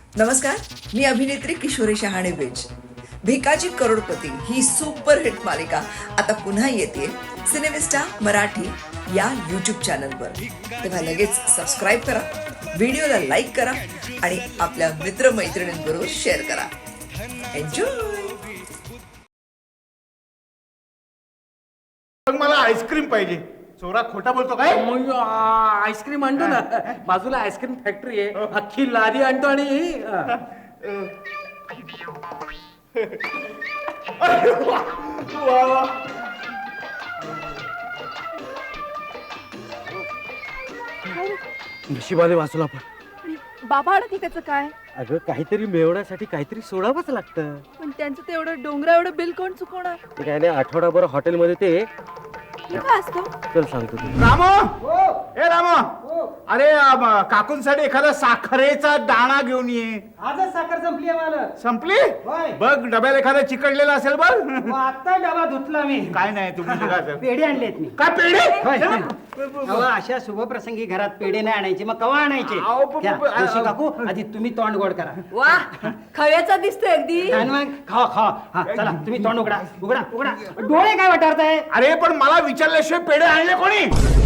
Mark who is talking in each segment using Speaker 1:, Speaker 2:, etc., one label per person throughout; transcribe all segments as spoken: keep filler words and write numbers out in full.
Speaker 1: नमस्कार, मी अभिनेत्री किशोरी शहाणे बेज. भिकाजी करोडपती ही सुपरहिट मालिका आता पुन्हा येते सिनेमिस्टा मराठी या यूट्यूब चॅनलवर. तेव्हा लगेच सबस्क्राईब करा, व्हिडिओला लाईक करा आणि आपल्या मित्रमैत्रिणींबरोबर शेअर करा. एन्जॉय.
Speaker 2: मला आईस्क्रीम पाहिजे. चोरा खोटा बोलतो काय?
Speaker 3: मग आ, आईस्क्रीम आणतो ना. बाजूला आईस्क्रीम फॅक्टरी आहे, अख्खी लादी आणतो आणि आ.
Speaker 2: वा वा.
Speaker 3: नशिबाने वाचलो आपण.
Speaker 4: बाबा अडती त्याचं काय?
Speaker 3: अगं काहीतरी मिळवण्यासाठी काहीतरी सोडावंच लागतं.
Speaker 4: पण त्यांचं ते एवढं डोंगरा एवढं बिल कोण चुकवणार?
Speaker 3: ते काय नाही, आठवडाभर हॉटेलमध्ये ते
Speaker 4: हे काय असतं?
Speaker 3: चल सांगतो तुला.
Speaker 2: रामो, ए रामो, अरे अम, काकूंसाठी एखादा साखरेचा दाणा घेऊन ये.
Speaker 5: आजच साखर संपली आहे मला.
Speaker 2: संपली?
Speaker 5: होय.
Speaker 2: बघ डब्याला एखादा चिकटलेला असेल बघ.
Speaker 5: मग आता डबा धुतला मी.
Speaker 2: काय नाही तुम्ही निघा सर.
Speaker 5: पेढे आणलेत मी.
Speaker 2: काय पेढे?
Speaker 5: होय. अहो, अशा शुभप्रसंगी घरात पेढे नाही आणायचे, मग कवा आणायचे?
Speaker 2: अहो, प- प-
Speaker 5: घ्या,
Speaker 2: प- अ-
Speaker 5: तुळशी काकू आधी तुम्ही तोंड गोड करा.
Speaker 4: वा, खव्याचा दिसतोय अगदी.
Speaker 5: आणि मग खावा खावा. हा चला तुम्ही तोंड उघडा उघडा उघडा. डोळे काय वाटारताय?
Speaker 2: अरे पण मला विचारल्याशिवाय पेढे आणले कोणी?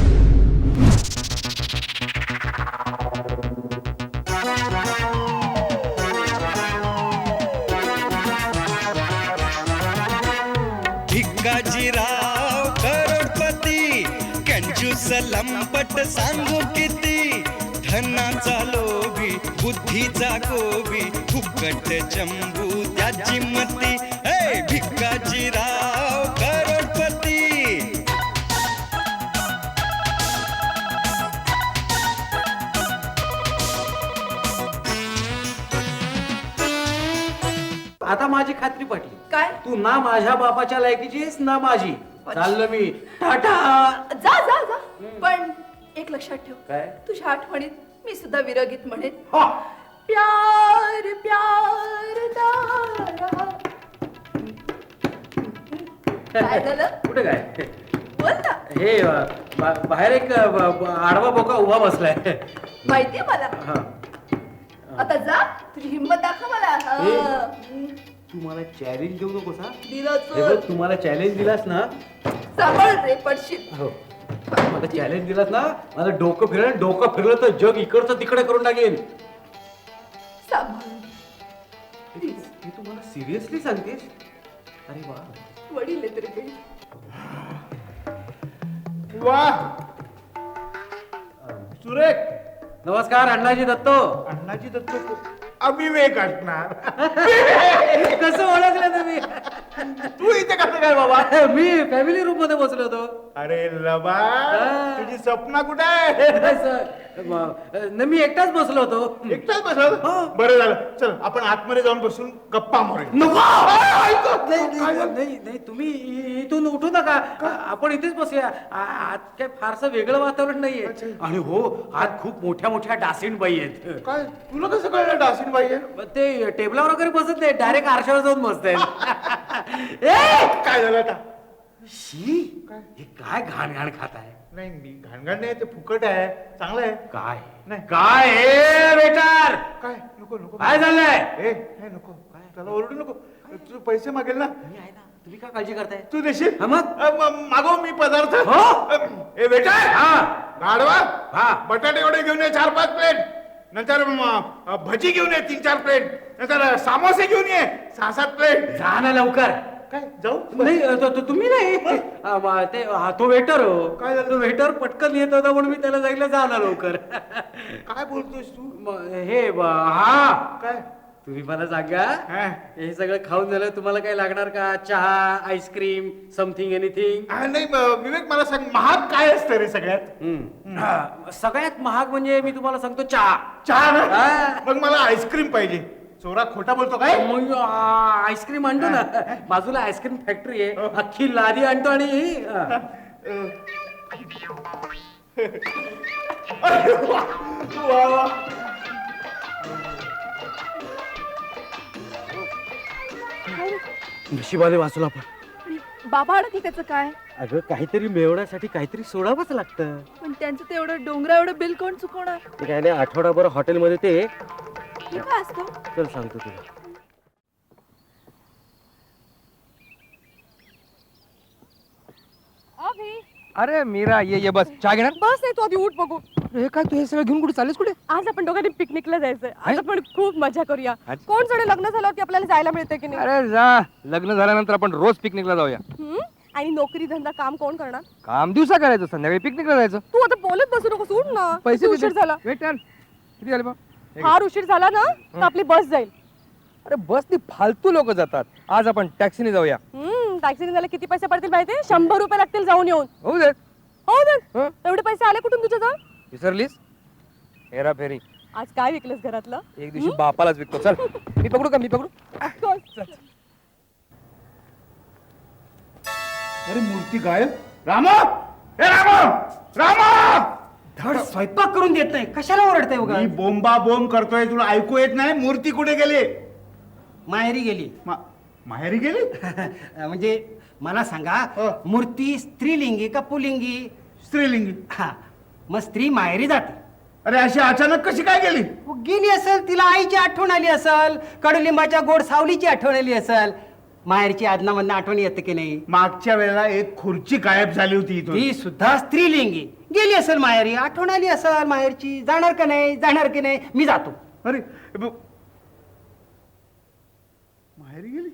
Speaker 6: भिकाजीराव करोडपती कंजूस लंपट सांगू किती धनाचा लोभी बुद्धीचा गोबी फुकट चंबू त्याची मती. हे भिकाजीराव करोडपती.
Speaker 3: आता माझी खात्री पटली.
Speaker 4: काय?
Speaker 3: तू ना माझ्या बापाच्या लायकीची आहेस ना माझी. चाललो मी. टाटा.
Speaker 4: जा जा जा. पण एक लक्षात ठेव,
Speaker 3: काय?
Speaker 4: तुझ्या आठवणीत मी सुद्धा विरगीत म्हणेन.
Speaker 3: हा.
Speaker 4: प्यार प्यार दारा. काय झालं?
Speaker 3: कुठे काय?
Speaker 4: बोल ना.
Speaker 3: हे अ, बा- बाहेर एक अ, ब- ब- आडवा बोका उभा बसलाय.
Speaker 4: माहितीये मला.
Speaker 3: हा.
Speaker 4: आता जा, तुझी हिंमत दाखव मला. हा.
Speaker 3: ए.
Speaker 4: हम्म.
Speaker 3: तू मला चॅलेंज देऊ नकोस हा.
Speaker 4: दिलं
Speaker 3: हे बघ,
Speaker 4: चोर.
Speaker 3: तू मला चॅलेंज दिलास ना.
Speaker 4: सांभाळ रे, पडशील.
Speaker 3: हो. मला चॅलेंज दिलास ना, माझं डोकं फिरलं, डोकं फिरलं तर जग इकडचं तिकडे करून टाकेन.
Speaker 4: सांभाळ.
Speaker 3: Please, हे तू मला सिरियसली सांगतेस? अरे वा.
Speaker 4: वडील आहे तरी काही.
Speaker 2: वा सुरेख.
Speaker 3: नमस्कार अण्णाजी दत्तो.
Speaker 2: अण्णाजी दत्त को- अविवेक असणार.
Speaker 3: कसं ओळखलं तुम्ही?
Speaker 2: तू इथे कसं काय बाबा?
Speaker 3: मी फॅमिली रूम मध्ये बसलो होतो.
Speaker 2: अरे लबा,
Speaker 3: हा.
Speaker 2: तुझी स्वप्न कुठे आहे?
Speaker 3: असं, म- न, मी एकटाच बसलो होतो.
Speaker 2: एकटाच बसल?
Speaker 3: हो.
Speaker 2: बरं झालं. चल आपण आतमध्ये जाऊन बसून गप्पा मारूया.
Speaker 3: नको.
Speaker 2: ऐक.
Speaker 3: नाही, नाही, नाही नाही, तुम्ही इ- इथून उठू नका. आ- आपण इथेच बसूया. आ- आत काय फारसं वेगळं वातावरण नाहीये. आणि हो, आत खूप मोठ्या मोठ्या डासिनबाई आहेत.
Speaker 2: काय तुला कसं कळलं डासिन बाई आहे?
Speaker 3: मग ते टेबलावर वगैरे बसत नाही, डायरेक्ट आरशावर जाऊन बसतायत. ए!
Speaker 2: काय झालं आता?
Speaker 3: शी, हे काय घाण घाण खात आहे?
Speaker 2: नाही मी घाणघाण नाही, ते फुकट आहे, चांगलं आहे.
Speaker 3: काय
Speaker 2: नाही.
Speaker 3: काय ए वेटर,
Speaker 2: काय नको नको
Speaker 3: काय झालंय?
Speaker 2: ए हे नको काय त्याला ओरडू नको. तू पैसे मागेल ना,
Speaker 3: मी आहे ना, तुम्ही काय काळजी करताय?
Speaker 2: तू देशील?
Speaker 3: हा मग?
Speaker 2: अ, म- मागव मी पदार्थ.
Speaker 3: हो.
Speaker 2: अ, ए बेटा,
Speaker 3: हा
Speaker 2: गाढवा,
Speaker 3: हा.
Speaker 2: बटाटे वडे घेऊन ये चार पाच प्लेट. नंतर म, अ, भजी घेऊन ये तीन चार प्लेट. नंतर समोसे घेऊन ये सहा सात प्लेट.
Speaker 3: जा ना लवकर.
Speaker 2: काय जाऊ?
Speaker 3: नाही तो- तो- तुम्ही नाही. आ, म- ते हा, तो वेटर हो.
Speaker 2: काय झालं?
Speaker 3: तो वेटर पटकन येत होता म्हणून मी त्याला सांगितलं जा ना लवकर.
Speaker 2: काय बोलतोस तू?
Speaker 3: म- हे ब- हा
Speaker 2: काय?
Speaker 3: तुम्ही मला सांगा,
Speaker 2: हा.
Speaker 3: हे सगळं खाऊन झालं तुम्हाला काय लागणार का? चहा, आईस्क्रीम, समथिंग एनिथिंग?
Speaker 2: हा, नाही म- विवेक मला सांग, महाग काय असतं रे सगळ्यात?
Speaker 3: सगळ्यात महाग म्हणजे मी तुम्हाला सांगतो चहा.
Speaker 2: चहा ना?
Speaker 3: हा.
Speaker 2: मग मला आईस्क्रीम पाहिजे. चोरा खोटा बोलतो काय?
Speaker 3: मग आ, आईस्क्रीम आणतो ना. बाजूला आईस्क्रीम फॅक्टरी आहे, अख्खी लादी आणतो आणि आ.
Speaker 2: वा वा.
Speaker 3: नशिबाने वाचलो आपण.
Speaker 4: बाबा अडती त्याचं काय?
Speaker 3: अगं काहीतरी मिळवण्यासाठी काहीतरी सोडावंच लागतं.
Speaker 4: पण त्यांचं ते एवढं डोंगरा एवढं बिल कोण चुकवणार?
Speaker 3: ते काय नाही, आठवडाभर हॉटेलमध्ये ते
Speaker 4: हे काय असतं?
Speaker 3: चल सांगतो तुला.
Speaker 4: अभि,
Speaker 7: अरे मीरा ये ये बस चहा घेणार
Speaker 4: बस नाही, तू आधी उठ बघू.
Speaker 7: हे काय तू हे सगळं घेऊन कुठे चाललेस कुठे
Speaker 4: आज आपण दोघांनी पिकनिकला जायचंय. आज आपण खूप मजा करूया.
Speaker 7: अच्छा.
Speaker 4: कोण जाणे लग्न झाल्यावरती आपल्याला जायला मिळते की नाही?
Speaker 7: अरे जा लग्न झाल्यानंतर आपण रोज पिकनिकला जाऊया
Speaker 4: हम्म? आणि नोकरी धंदा काम कोण करणार?
Speaker 7: काम दिवसा करायचं संध्याकाळी पिकनिकला जायचं
Speaker 4: तू आता बोलत बसू नको, सोड ना.
Speaker 7: पैसे
Speaker 4: किती उशीर
Speaker 7: किती?
Speaker 4: झाला.
Speaker 7: वेट यार किती झाले बा
Speaker 4: फार उशीर झाला ना तर आपली बस जाईल.
Speaker 7: अरे बसनी फालतू लोक जातात आज आपण टॅक्सीने जाऊया
Speaker 4: हम्म टॅक्सीने जायला किती पैसे पडतील माहितीये? शंभर रुपये लागतील जाऊन येऊन.
Speaker 7: होऊ दे
Speaker 4: हो
Speaker 7: हं?
Speaker 4: ना. एवढे पैसे आले कुठून तुझ्या जवळ?
Speaker 7: विसरलीस हेरा फेरी
Speaker 4: आज काय विकलंस घरातलं?
Speaker 7: एक दिवशी बापालाच विकतो चल मी पकडू का मी पकडू
Speaker 2: अरे मूर्ती गायब. रामा हे रामा रामा
Speaker 3: धड स्वयंपाक करून देत नाही, कशाला ओरडताय उगा?
Speaker 2: मी बोंबा बोंब करतोय, तुला ऐकू येत नाही? मूर्ती कुठे गेली?
Speaker 3: माहेरी गेली.
Speaker 2: मा- माहेरी गेली?
Speaker 3: म्हणजे मला सांगा,
Speaker 2: हो.
Speaker 3: मूर्ती स्त्रीलिंगी का पुलिंगी?
Speaker 2: स्त्रीलिंगी.
Speaker 3: हा, मग स्त्री माहेरी जाते.
Speaker 2: अरे अशी अचानक कशी काय गेली?
Speaker 3: मग गेली असेल, तिला आईची आठवण आली असेल, कडुलिंबाच्या गोड सावलीची आठवण आली असेल. माहेरची आदनामधनं आठवण येते की नाही?
Speaker 2: मागच्या वेळेला एक खुर्ची गायब झाली होती इथून.
Speaker 3: ती सुद्धा स्त्रीलिंगी. गेली असेल माहेरी, आठवण आली असेल माहेरची. जाणार का नाही, जाणार की नाही? मी जातो.
Speaker 2: अरे ब- माहेरी गेली?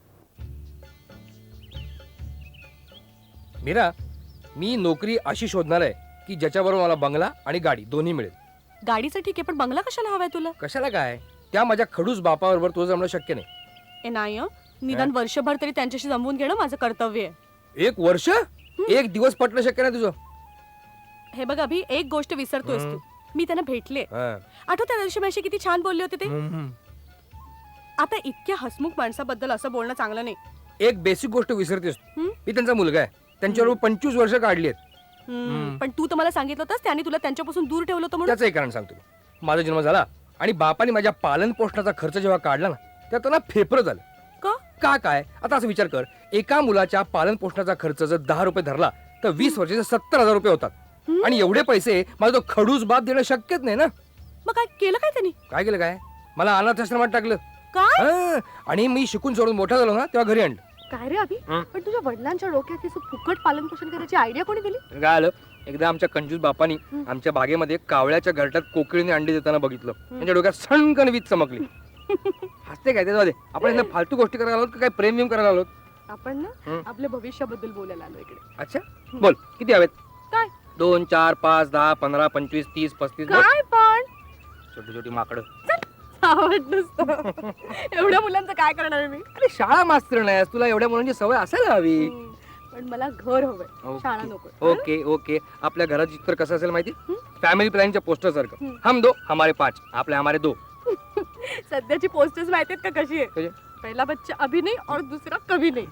Speaker 7: मीरा मी नोकरी अशी शोधणार आहे की ज्याच्याबरोबर मला बंगला आणि गाडी दोन्ही मिळेल.
Speaker 4: गाडीचं ठीक आहे, पण बंगला कशाला हवाय तुला?
Speaker 7: कशाला काय त्या माझ्या खडूस बापाबरोबर तुझं जमणं शक्य नाही.
Speaker 4: ए नाही हं. निदान वर्षभर तरी त्यांच्याशी जमवून घेणं माझं कर्तव्य आहे.
Speaker 7: एक वर्ष एक दिवस पटणं शक्य नाही तुझं.
Speaker 4: हे बघ अभि, एक गोष्ट विसरतोयस तू. मी त्यांना भेटले.
Speaker 7: हा.
Speaker 4: आठवत त्या दिवशी माझी किती छान बोलले होते ते.
Speaker 7: हम्म.
Speaker 4: आता इतक्या हसमुख माणसाबद्दल असं बोलणं चांगलं नाही.
Speaker 7: एक बेसिक गोष्ट विसरतेस तू.
Speaker 4: हम्म?
Speaker 7: मी त्यांचा मुलगा आहे, त्यांच्याबरोबर पंचवीस वर्ष काढली आहेत.
Speaker 4: हम्म, पण तू तर मला सांगितलं होतंस त्यांनी तुला त्यांच्यापासून दूर ठेवलं होतं म्हणून.
Speaker 7: त्याचं एक कारण सांगतो मी. माझा जन्म झाला आणि बापाने माझ्या पालन पोषणाचा खर्च जेव्हा काढला ना तेव्हा त्यांना फेफरं झालं.
Speaker 4: का?
Speaker 7: का काय आता असं विचार कर, एका मुलाच्या पालन पोषणाचा खर्च जर दहा रुपये धरला तर वीस वर्षाचे सत्तर हजार रुपये होतात. आणि एवढे पैसे माझा तो खडूस बाप देणं शक्यच नाही ना.
Speaker 4: मग काय केलं काय त्यांनी?
Speaker 7: काय केलं काय, मला अनाथ आश्रमात टाकलं.
Speaker 4: काय
Speaker 7: हा. आणि मी शिकून सोडून मोठा झालो ना तेव्हा घरी आणलं.
Speaker 4: काय रे अभि,
Speaker 7: हं?
Speaker 4: पण तुझ्या वडिलांच्या डोक्यात असं फुकट पालन पोषण करायची आयडिया कोणी दिली?
Speaker 7: काय आलं, एकदा आमच्या कंजूस बापानी आमच्या बागेमध्ये कावळ्याच्या घरट्यात कोकिळीने अंडी देताना बघितलं. त्यांच्या डोक्यात सणकण वीज चमकली. हसते काय ते? आपण यांना फालतू गोष्टी करायला आलोत का काय प्रेम विम करायला आलोत?
Speaker 4: आपण ना
Speaker 7: हं.
Speaker 4: आपल्या भविष्याबद्दल बोलायला आलो इकडे.
Speaker 7: अच्छा बोल किती हवेत?
Speaker 4: काय
Speaker 7: दोन चार पाच दहा पंधरा पंचवीस तीस पस्तीस बोल.
Speaker 4: काय पण
Speaker 7: छोटी छोटी माकडं.
Speaker 4: आवड नसतं. एवढ्या मुलांचं काय करणार आहे मी?
Speaker 7: अरे शाळा मास्तर नाही तुला एवढ्या मुलांची सवय असायला हवी.
Speaker 4: हं, पण मला घर हवंय,
Speaker 7: ओके.
Speaker 4: शाळा नको.
Speaker 7: ओके ओके आपल्या घरात चित्र कसं असेल माहिती? फॅमिली प्लॅनच्या पोस्टर सारखं.
Speaker 4: हं.
Speaker 7: हम दो हमारे पाच, आपले हमारे दो.
Speaker 4: सध्याची पोस्टर्स माहितीत का कशी आहे?
Speaker 7: कशी?
Speaker 4: पहिला बच्चा अभि नाही और दुसरा कभी नाही.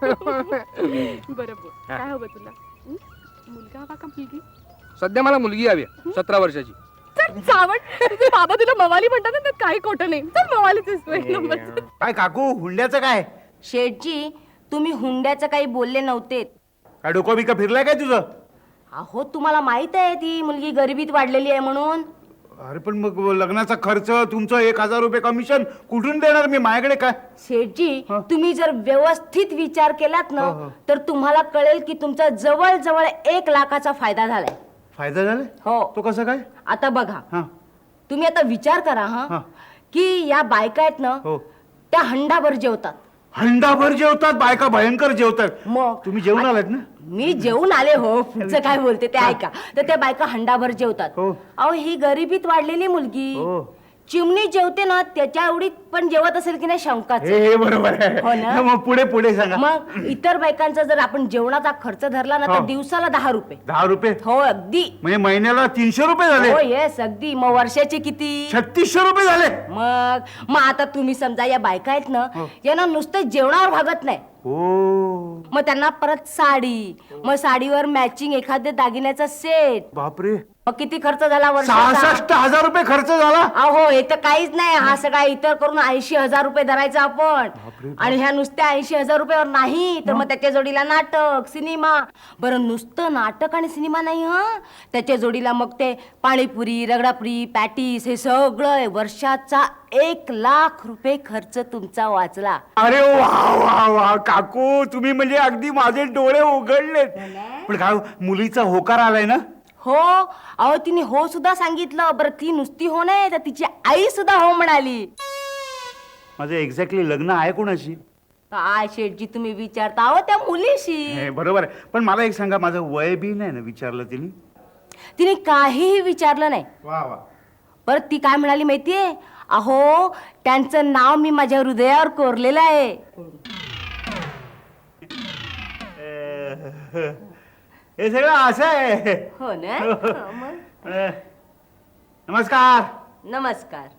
Speaker 4: बरोबर.
Speaker 7: हा.
Speaker 4: काय हवं तुला? हं? मुलगा हवा का मुलगी?
Speaker 7: सध्या मला मुलगी हवी आहे, सतरा वर्षाची.
Speaker 4: चल चावट. तुझे बाबा तुला मवाली म्हणतात ना, त्यात काही खोटं नाही. चल मवालीच आहेस तू एक नंबरचं.
Speaker 2: काय काकू हुंड्याचं काय?
Speaker 8: शेठजी, तुम्ही हुंड्याचं काही बोलले नव्हते.
Speaker 2: काय डोकं बिका फिरलाय काय तुझं?
Speaker 8: अहो तुम्हाला माहित आहे ती मुलगी गरिबीत वाढलेली आहे म्हणून.
Speaker 2: अरे पण मग लग्नाचा खर्च तुमचं एक हजार रुपये कमिशन कुठून देणार मी? माझ्याकडे काय?
Speaker 8: शेठजी,
Speaker 2: हं.
Speaker 8: तुम्ही जर व्यवस्थित विचार केलात ना
Speaker 2: हो, हो.
Speaker 8: तर तुम्हाला कळेल की तुमचा जवळ जवळ एक लाखाचा फायदा झालाय.
Speaker 2: फायदा झाला?
Speaker 8: हो.
Speaker 2: तो कसं काय?
Speaker 8: आता बघा,
Speaker 2: हा
Speaker 8: तुम्ही आता विचार करा हा
Speaker 2: हा.
Speaker 8: की या बायका आहेत ना,
Speaker 2: हो.
Speaker 8: त्या हंडाभर जेवतात.
Speaker 2: हंडाभर जेवतात बायका, भयंकर जेवतात.
Speaker 8: मग
Speaker 2: तुम्ही जेवून आलात ना?
Speaker 8: मी जेवून आले हो. पुढचं काय बोलते ते ऐका. तर त्या बायका हंडाभर जेवतात.
Speaker 2: हो.
Speaker 8: अहो ही गरिबीत वाढलेली मुलगी
Speaker 2: हो.
Speaker 8: चिमणी जेवते ना, त्याच्या एवढी पण जेवत असेल की नाही शंकाच.
Speaker 2: हे हे बरोबर
Speaker 8: हो ना?
Speaker 2: आहे. मग पुढे पुढे सांगा.
Speaker 8: मग इतर बायकांचा जर आपण जेवणाचा खर्च धरला ना तर
Speaker 2: हो.
Speaker 8: दिवसाला दहा रुपये.
Speaker 2: दहा रुपये
Speaker 8: हो अगदी.
Speaker 2: म्हणजे महिन्याला तीनशे रुपये झाले.
Speaker 8: हो येस अगदी. मग वर्षाचे किती?
Speaker 2: छत्तीसशे रुपये झाले.
Speaker 8: मग मग आता तुम्ही समजा या बायका आहेत ना, यांना नुसतं जेवणावर भागत नाही.
Speaker 2: हो
Speaker 8: मग त्यांना परत साडी, मग साडीवर मॅचिंग एखाद्या दागिन्याचा सेट.
Speaker 2: बापरे,
Speaker 8: मग किती खर्च झाला वर्षाचा?
Speaker 2: सहासष्ट हजार रुपये खर्च झाला.
Speaker 8: अहो हे तर काहीच नाही. हा सगळा इतर करून ऐंशी हजार रुपये धरायचा आपण. आणि ह्या नुसत्या ऐंशी हजार रुपयावर नाही तर मग त्याच्या जोडीला नाटक, सिनेमा. बरं नुसतं नाटक आणि सिनेमा नाही हा, त्याच्या जोडीला मग ते पाणीपुरी, रगडापुरी, पॅटीस हे सगळं वर्षाचा एक लाख रुपये खर्च तुमचा वाचला.
Speaker 2: अरे वा वा वा काकू, तुम्ही म्हणजे अगदी माझे डोळे उघडलेत. पण काय मुलीचा होकार आलाय ना?
Speaker 8: हो, अहो तिने हो सुद्धा सांगितलं. बरं ती नुसती हो नाही तर तिची आई सुद्धा हो म्हणाली.
Speaker 2: माझं एक्झॅक्टली लग्न आहे कोणाशी?
Speaker 8: काय शेठजी तुम्ही विचारता अहो त्या मुलीशी.
Speaker 2: हे बरोबर आहे, पण मला एक सांगा, माझं वय बी नाही ना विचारलं तिने?
Speaker 8: तिने काहीही विचारलं नाही.
Speaker 2: वा वा.
Speaker 8: परत ती काय म्हणाली माहितीये, अहो त्यांचं नाव मी माझ्या हृदयावर कोरलेलं आहे.
Speaker 2: हे सगळं असं आहे.
Speaker 8: हो ना. हं, मग.
Speaker 2: अ, नमस्कार.
Speaker 8: नमस्कार.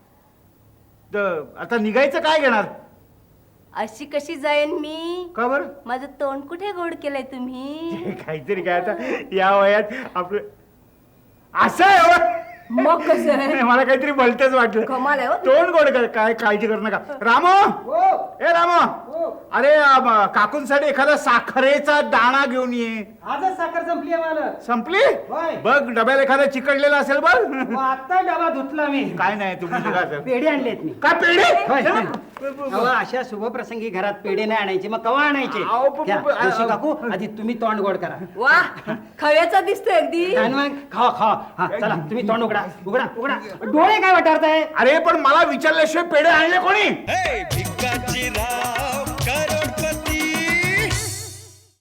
Speaker 2: द- आता निघायचं काय घेणार?
Speaker 8: अशी कशी जाईन मी?
Speaker 2: का बरं?
Speaker 8: माझं तोंड कुठे गोड केलंय तुम्ही?
Speaker 2: काहीतरी काय आता या वयात आपलं असं आहे हो.
Speaker 8: मग कसं आहे?
Speaker 2: नाही, मला काहीतरी भलतच वाटलं.
Speaker 8: कमाल आहे हो.
Speaker 2: तोंड गोड कर, काय काळजी करू नका. रामो, ए रामो, अरे अम, काकूंसाठी एखादा साखरेचा दाणा घेऊन ये.
Speaker 5: आजच साखर संपली आहे मला.
Speaker 2: संपली?
Speaker 5: होय.
Speaker 2: बघ डब्याला एखादा चिकटलेला असेल बघ.
Speaker 5: मग आता डबा धुतला मी.
Speaker 2: काय नाही तुम्ही निघा सर.
Speaker 5: पेढे आणलेत मी.
Speaker 2: काय पेढे?
Speaker 5: होय. अहो, अशा शुभप्रसंगी घरात पेढे नाही आणायचे, मग कवा आणायचे?
Speaker 2: अहो, प- प-
Speaker 5: घ्या,
Speaker 2: प- आ-
Speaker 5: जोशी काकू आधी तुम्ही तोंड गोड करा.
Speaker 8: वा खव्याचा दिसतोय अगदी.
Speaker 5: आणि मग खावा खावा. हा चला तुम्ही तोंड उघडा उघडा उघडा. डोळे काय वाटारताय?
Speaker 2: अरे पण मला विचारल्याशिवाय पेढे आणले कोणी?
Speaker 6: हे भिकाची राव